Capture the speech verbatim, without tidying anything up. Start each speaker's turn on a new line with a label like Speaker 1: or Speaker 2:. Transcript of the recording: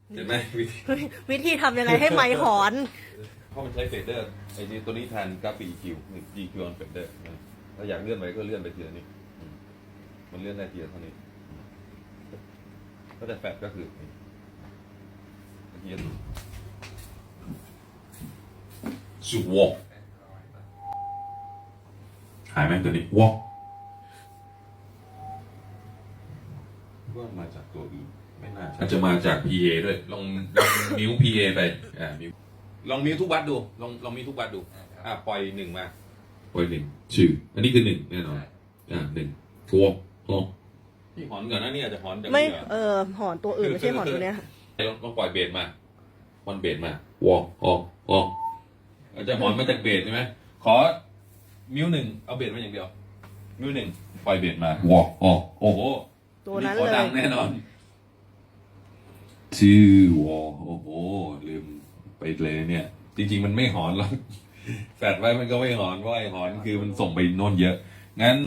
Speaker 1: เห็นไหมวิธี
Speaker 2: วิธีทำยังไงให้ไมค์หอน
Speaker 1: เพราะมันใช้เฟดเดอร์ไอ้นี่ตัวนี้แทนกราฟิก อี คิว หนึ่ง จี คิว on fader นะถ้าอยากเลื่อนไปก็เลื่อนไปทีละนิดอืมมันเลื่อนได้ทีละเท่านี้อืมก็แต่แฟดก็คือนี่ทีละสุวอกหายไหมตัวนี้วอกว่ามาจากตัวอื่นไม่น่าอาจจะมาจาก พี เอ ด้วยลองลองมิว พี เอ ไปอ่ามิวลองมิวทุกวัดดูลองลองมิวทุกวัดดูอ่าปล่อยหนึ่งมาปล่อยหนึ่งชื่ออันนี้คือหนึ่งแน่นอนอ่าหนึ่งทัวร์ฮอนี่หอนก่อนนะนี่อาจจะหอนจาก
Speaker 2: ไม่
Speaker 1: นี่เหรอ
Speaker 2: เออหอนตัวอื่นไม่ใช่หอนตัวเนี้ย
Speaker 1: ลองลองปล่อยเบสมาวันเบสมาวอฮอฮออาจจะหอนมาจากเบสใช่ไหมขอมิวหนึ่งเอาเบสมาอย่างเดียวมิวหนึ่งปล่อยเบสมาวอฮอโอ้โห
Speaker 2: ตัวนั้น
Speaker 1: ขอ
Speaker 2: เลย
Speaker 1: ดังแน่นอนชื่อวอโอ้โหลืมไปเลยเนี่ย จริง ๆ มันไม่หอนหรอกแฟดไว้มันก็ไม่หอนเพราะไอ้หอนคือมันส่งไปโน่นเยอะงั้น